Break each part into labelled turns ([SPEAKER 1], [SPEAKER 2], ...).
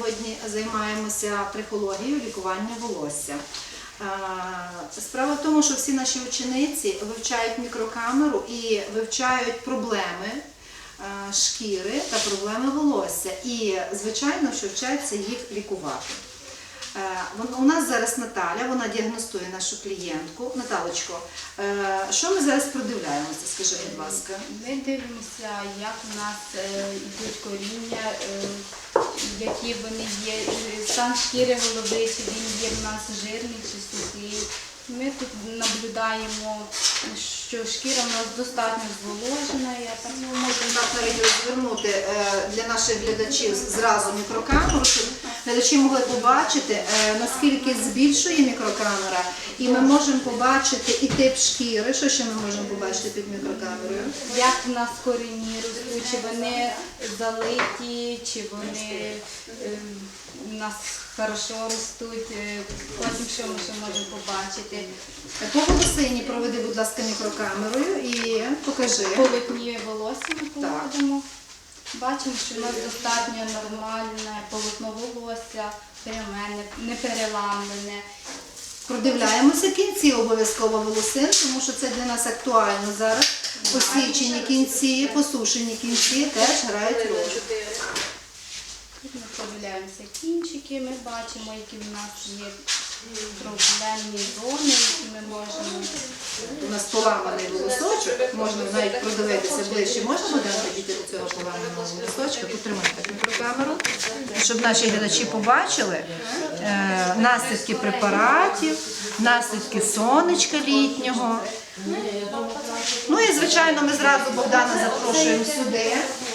[SPEAKER 1] сьогодні займаємося трихологією лікування волосся. Справа в тому, що всі наші учениці вивчають мікрокамеру і вивчають проблеми шкіри та проблеми волосся. І, звичайно, що вчаться їх лікувати. У нас зараз Наталя, вона діагностує нашу клієнтку. Наталочко, що ми зараз продивляємося, скажи, будь ласка?
[SPEAKER 2] Ми дивимося, як у нас йдуть коріння, які вони є, стан шкіри голови, чи він є в нас жирний чи сухий. Ми тут наблюдаємо, що шкіра у нас достатньо зволожена.
[SPEAKER 1] Можемо так навіть розвернути для наших глядачів зразу мікрокамеру, щоб глядачі могли побачити, наскільки збільшує мікрокамера. І ми можемо побачити і тип шкіри. Що ще ми можемо побачити під мікрокамерою?
[SPEAKER 2] Як у нас корені ростуть, чи вони залиті, чи вони у нас хорошо ростуть. Потім що ми ще можемо побачити?
[SPEAKER 1] По волосині проведи, будь ласка, мікрокамерою і покажи.
[SPEAKER 2] Полотніє волосся ми проводимо. Бачимо, що у нас достатньо нормальне полотно волосся, пряме, не переламлене.
[SPEAKER 1] Продивляємося кінці обов'язково волосин, тому що це для нас актуально зараз. Посічені кінці, посушені кінці теж грають роль.
[SPEAKER 2] Тут ми подивляємося кінчики, ми бачимо, які в нас є проблемні зони, які ми можемо.
[SPEAKER 1] У нас поламаний волосочок, можна навіть продивитися ближче. Можна дати до цього поламаного волосочка? Потримайте мікрокамеру, щоб наші глядачі побачили наслідки препаратів, наслідки сонечка літнього. Ну і, звичайно, ми зразу Богдана запрошуємо сюди.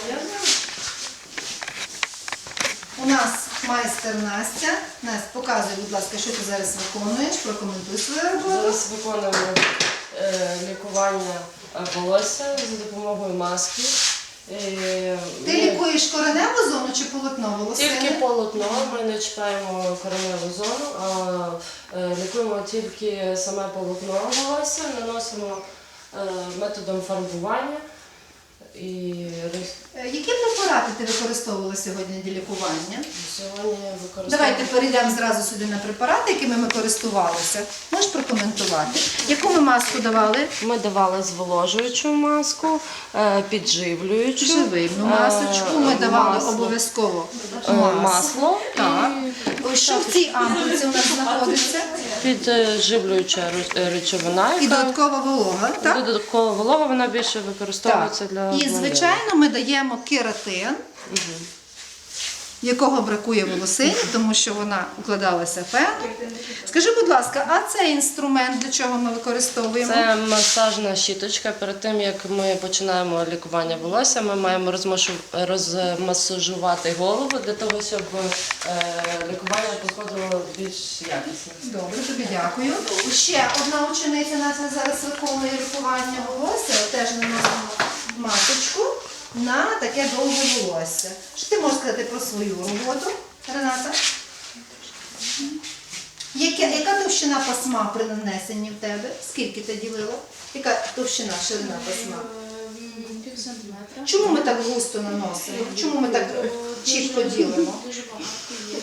[SPEAKER 1] У нас майстер Настя. Настя, показуй, будь ласка, що ти зараз виконуєш, прокоментуй свою роботу.
[SPEAKER 3] Зараз виконуємо лікування волосся за допомогою маски.
[SPEAKER 1] Ти лікуєш кореневу зону чи полотно волосини?
[SPEAKER 3] Тільки полотно, ми не чіпаємо кореневу зону, а лікуємо тільки саме полотно волосся, наносимо методом фарбування.
[SPEAKER 1] Які препарати ти використовувала сьогодні для лікування?
[SPEAKER 3] Сьогодні використовуємо...
[SPEAKER 1] Давайте перейдемо зразу сюди на препарати, якими ми користувалися. Можеш прокоментувати? Яку ми маску давали?
[SPEAKER 3] Ми давали зволожуючу маску, підживлюючу.
[SPEAKER 1] Живильну масочку ми давали обов'язково.
[SPEAKER 3] Масло.
[SPEAKER 1] Так. Що в цій ампульці у нас знаходиться?
[SPEAKER 3] Підживлююча речовина.
[SPEAKER 1] І додаткова волога. Так?
[SPEAKER 3] Додаткова волога, вона більше використовується для
[SPEAKER 1] І, звичайно, ми даємо кератин, якого бракує волосині, тому що вона укладалася феном. Скажи, будь ласка, а цей інструмент для чого ми використовуємо?
[SPEAKER 3] Це масажна щіточка. Перед тим, як ми починаємо лікування волосся, ми маємо розмасажувати голову для того, щоб лікування проходило більш якісно.
[SPEAKER 1] Добре, тобі дякую. Ще одна учениця нас зараз виконує лікування волосся. Теж наносимо масочку на таке довге волосся. Що ти можеш сказати про свою роботу, Рената? Яка товщина пасма при нанесенні в тебе? Скільки ти ділила? Яка товщина, ширина пасма?
[SPEAKER 2] Пів сантиметра.
[SPEAKER 1] Чому ми так густо наносимо? Чому ми так чітко ділимо?
[SPEAKER 2] Дуже багато є.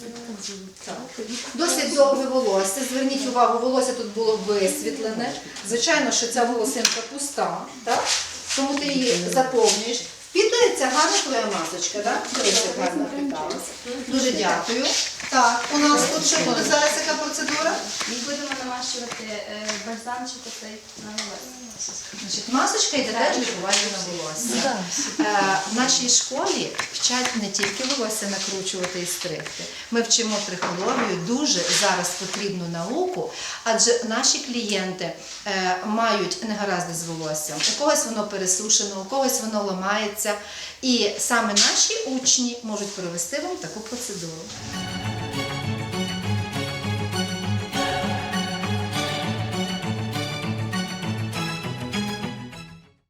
[SPEAKER 1] Досить довге волосся. Зверніть увагу, волосся тут було висвітлене. Звичайно, що ця волосинка пуста, так? Тому ти її заповнюєш. Впітується гарна твоя масочка, так? Дивіться, як гарно впіталася. Дуже дякую. Так, у нас тут що буде зараз, яка процедура?
[SPEAKER 2] Ми будемо намащувати бальзамчик на волосся.
[SPEAKER 1] Значить, масочка йде теж лікування на волосся. В нашій школі вчать не тільки волосся накручувати і стригти. Ми вчимо трихологію, дуже зараз потрібну науку, адже наші клієнти мають негаразди з волоссям. У когось воно пересушено, у когось воно ламається. І саме наші учні можуть провести вам таку процедуру.